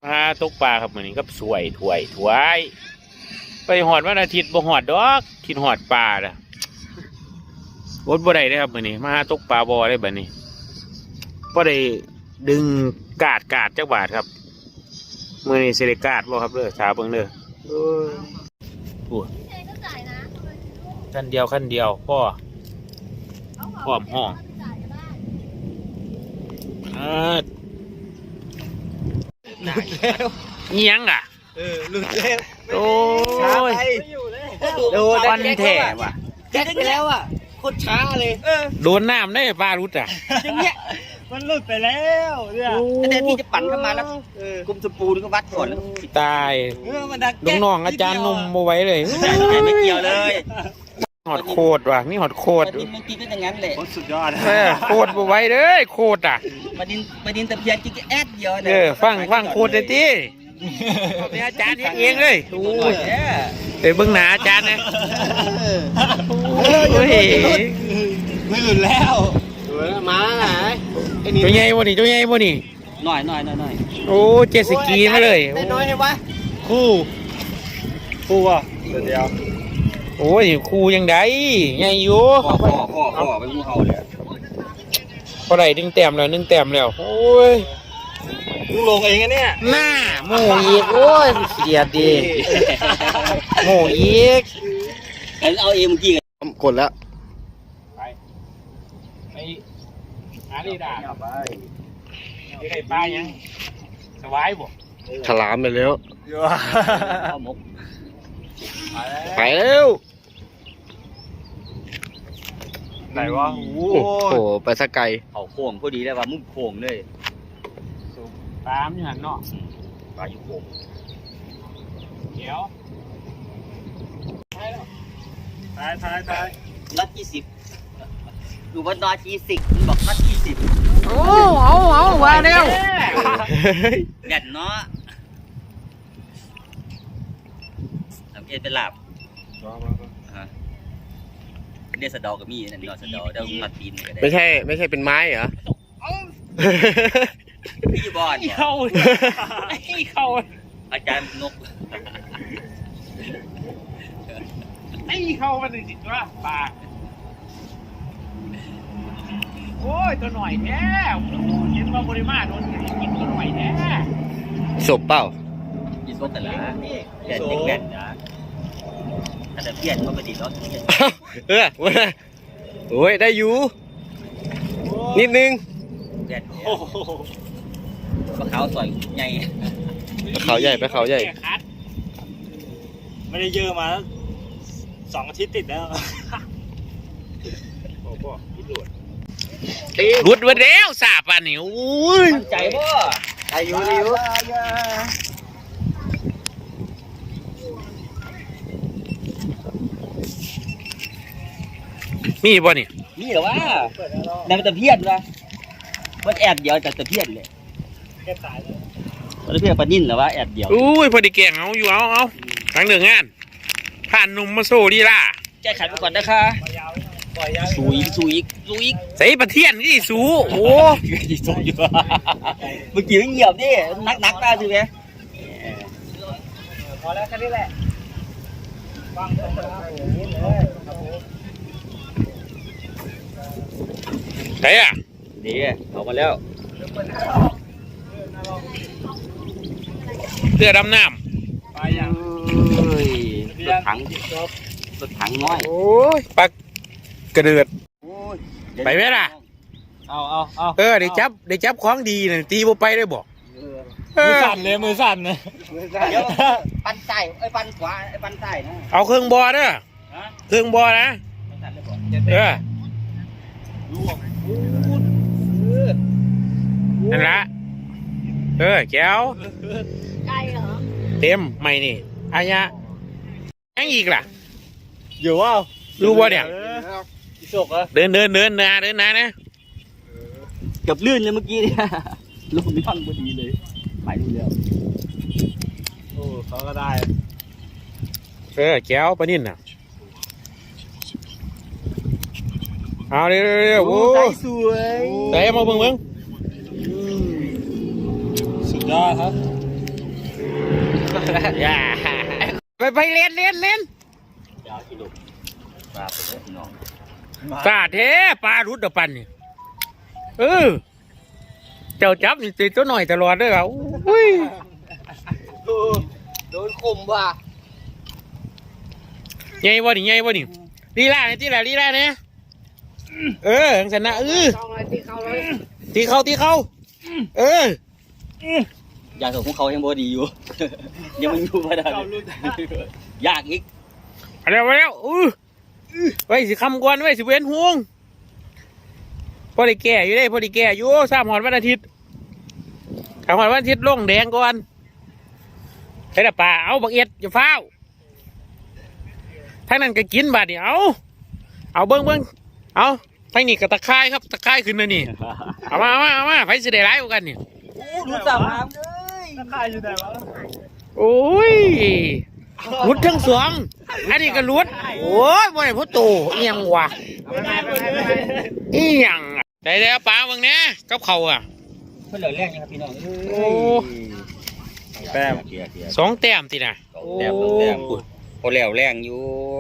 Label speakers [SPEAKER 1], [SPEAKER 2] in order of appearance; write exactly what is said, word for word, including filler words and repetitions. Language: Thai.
[SPEAKER 1] หาตกปลาครับมื้อนี้ก็สวยถวยถวยไปหอดวันอาทิตย์บ่หอดดอกคิดหอดปลาล่ะอดบ่ได้เด้อครับมื้อนี้มาหาตกปลาบ่ได้บัดนี้บ่ได้ดึงกาดกาดจักบาทครับมื้อนี้สิได้กาดบ่ครับเด้อชาเบิ่งเด้อโอ้ยโอ้คันเดียวคันเดียวพ่อพร้อมห้องอ่า
[SPEAKER 2] หลุดแล้ว
[SPEAKER 1] เงี้ยงอ่ะ
[SPEAKER 2] เออหลุดแล้ว
[SPEAKER 1] โอ้ย
[SPEAKER 2] โดน
[SPEAKER 1] ฟันแท้ว่ะ
[SPEAKER 2] แจ็คไปแล้วอ่ะโคตรช้าเลยเออ
[SPEAKER 1] โดนน้ำได้ปลารุดอ่ะ
[SPEAKER 2] อย่างเงี้ยมันหลุดไปแล้วเนี่ยแต่ที่จะปั่นเข้ามาแล้วกุมสปูนก็วัดก่อนแล้ว
[SPEAKER 1] ตาย
[SPEAKER 2] เออมันดัก
[SPEAKER 1] น้องๆอาจารย์นมมาไว้เลย
[SPEAKER 2] ไม่เกี่ยวเลย
[SPEAKER 1] หอดโคตรว่ะนี่หอดโคตร
[SPEAKER 2] ดินมันกินก็อย่างนั้นแหละสุดยอด
[SPEAKER 1] โคตรมาไว้เลยโคตรอ่ะ
[SPEAKER 2] มาดินมาดินตะเพียนกินแอดเดียว
[SPEAKER 1] เออฟังฟังโคตรเลยที่เป็นอาจารย์เองเลยโอ้ยเดี๋ยวเบื้องหน้าอาจารย์นะโอ้ย
[SPEAKER 2] ไม่หลุดแล้วมาไหน
[SPEAKER 1] ตัวใหญ่บ่นี่ตัวใหญ่บ่นี่
[SPEAKER 2] หน่อยหน่อยหน่อยหน่อย
[SPEAKER 1] โอ้เจ็ดสกีมาเลย
[SPEAKER 2] น้อยให้วะคู่คู่อ่ะเดียว
[SPEAKER 1] โอ้ยคู่ยังไงใหญ่อยู่
[SPEAKER 2] พ่อพ่อพ่อพ่อไปงูเห่าเลย
[SPEAKER 1] พอไหร่ดึงแต้มแล้วดึงแต้มแล้วโอ้ย
[SPEAKER 2] มึงลงเองอะเนี่ย
[SPEAKER 1] หน้าโม่อีกโอ้ยเสียดดีโม่อีก
[SPEAKER 2] เอาเองเมื่อกี้
[SPEAKER 3] กดแล้ว
[SPEAKER 1] ไปไปหาดีด่าไปไข่ปลายังสบายบ่
[SPEAKER 3] ฉลามไปแล้วไปแล้ว
[SPEAKER 1] ไหนวะโอ้
[SPEAKER 3] โหไปสักไกล
[SPEAKER 2] เขาโค้งพอดีเลยว่ามุ้งโค้งเลย
[SPEAKER 1] ปลาไม่หันเนาะ
[SPEAKER 2] ปลาอยู่โค้ง
[SPEAKER 1] เดี๋ยวตายตายตาย
[SPEAKER 2] นัดยี่สิบอยู่บนดอยยี่สิบบอกนัดยี่สิบ
[SPEAKER 1] โอ้เอาเอาว่าเร็ว
[SPEAKER 2] เด่นเนาะทำเอ็ดเป็นหลับเดี๋ยวสะดอกับมีนั่นเนาะสะดอเดี๋ยวมัดปีน
[SPEAKER 3] ไม่ใช่ไม่ใช่เป็นไม้เหรอ
[SPEAKER 2] พี่บอล
[SPEAKER 1] เข้าเข้า
[SPEAKER 2] อาจารย์นก
[SPEAKER 1] ไม่เข้ามันจริงว่าปลาโอ้ยตัวหน่อยแท้เห็นว่าบริมาโดนกินตัวหน่อยแท้
[SPEAKER 3] ศพเปล่า
[SPEAKER 2] ยินพวกแต่ละเด่นเด็กแด่นนะแต่เพี้ยนมันไม่ดีเนาะ
[SPEAKER 3] เออโอ้ยได้อยู่นิดนึง
[SPEAKER 2] เด่นปลาขาวสวยใหญ่
[SPEAKER 3] ปลาขาวใหญ่ปลาขาวใหญ่
[SPEAKER 2] ไม่ได้เยอะมาสองอาทิตย์ติดแล้ว
[SPEAKER 1] รุดวันแล้วสาบอันนี้อุ้ย
[SPEAKER 2] ใจบ่ใจอยู่ใจอยู่
[SPEAKER 1] มีบ่นี่
[SPEAKER 2] มีเหรอวะนายตะเพียนวะมันแอบเดียวแต่ตะเพียนเลยแอบตายเลยตะเพียนปนิ่นเหรอวะแอบเดียว
[SPEAKER 1] อุ้ยพอดีแกงเอาอยู่เอาเอาทางเดืองงานผ่านนุ่มมาโซ่ดีล่ะ
[SPEAKER 2] แก้ขันไปก่อนนะคะสูอีกสูอีกสูอีก
[SPEAKER 1] ใส่ประเทียนนี่สูโอ้
[SPEAKER 2] ยสูอยู่เมื่อกี้เงียบดินักนักตาสิไหมพอแล้วแค่นี้แหละฟังตรงนี้เลย
[SPEAKER 1] ใช่อ่ะ
[SPEAKER 2] ดีออกมาแล้ว
[SPEAKER 1] เสื้อดำน้
[SPEAKER 2] ำไปอย่างรถถังรถถังน้อย
[SPEAKER 1] โอ้ยปักกระเดือดไปไหมล่ะ
[SPEAKER 2] เอาเอาเอา
[SPEAKER 1] เออเดี๋ยวจับเดี๋ยวจับของดีน่ะตีบ่ไปได้บอก
[SPEAKER 2] มือสั่นเลยมือสั่นเลยเดี๋ยวปันใต้ไอ้ปันขวาไอ้ปันใต้นะ
[SPEAKER 1] เอาเครื่องบอเด้อเครื่องบอนะเออนั่นละเออแก้ว
[SPEAKER 4] ไกลเหรอ
[SPEAKER 1] เต็มไม่นี่อายะยังอีกล่ะ
[SPEAKER 2] อยู่ว่า
[SPEAKER 1] รู้ว่าเนี่ยเดินเดินเดินนะเดินนะนะ
[SPEAKER 2] กับลื่นเลยเมื่อกี้เนี่ยลงย่องพอดีเลยไปดูแล้วโอ้เขาก็ได้
[SPEAKER 1] เออแก้วปนิ่นน่ะเอาเร็วเร็วโอ้
[SPEAKER 2] สวย
[SPEAKER 1] ใส่มาเบิ่งเบิ่ง
[SPEAKER 2] สุดยอดครับ
[SPEAKER 1] อย่าไปไปเล่นเล่นเล่น
[SPEAKER 2] เดี๋ยวที่ลูกปลาไปเลยพี่น้อง
[SPEAKER 1] ปลาเทปลารุดเดปันนี่เออเจ้าจับนี่ติดตัวหน่อยตลอดเลยเหรออุ้ย
[SPEAKER 3] โดนข่มว่ะ
[SPEAKER 1] ใหญ่บ่นี่ใหญ่บ่นี่ลีลาเนี่ยที่ละลีลาเนี่ยเออจังสันนะเออตีเขาตีเขาเออ
[SPEAKER 2] อยากส่งของเขายังบ่ดีอยู่ ยังมันอยู่ไม่ได้ยากอีก
[SPEAKER 1] เอาแล้วเอาแล้วเออไว้สิคำกวนไว้สิเว้นห่วงพอได้แก่อยู่ได้พอได้แก่อยู่สามหอดวันอาทิตย์สามหอดวันอาทิตย์ลงแดงก่อนให้ละป่าเอาบักเอ็ดอย่าฟ้าวทั้งนั้นก็กินบาดเดียวเอาเอาเบิ้งเบิ้งเอาทั้งนี้ก็ตะไคร้ครับตะไคร้ขึ้นมานี่เอามาเอามาเอามาไฟสิได้ร้ายกว่ากันนี่
[SPEAKER 2] รู้จักน้ำเลย
[SPEAKER 1] โอ้ยรุดทั้งสองอันนี้ก็รุดโอ้ยบ่ได้พ่อโตเอียงวะเอียงได้แล้วปลาเบิ่งเนี้ยกับเขาอ่ะ
[SPEAKER 2] เพื่อนเหลือแรงยังครับพี่น้อง
[SPEAKER 1] โอ้
[SPEAKER 3] แต้ม
[SPEAKER 2] เกียร์เกียร์
[SPEAKER 1] สองแต้มตินะ
[SPEAKER 2] แต้มแต้มพอแล้วแรงอยู่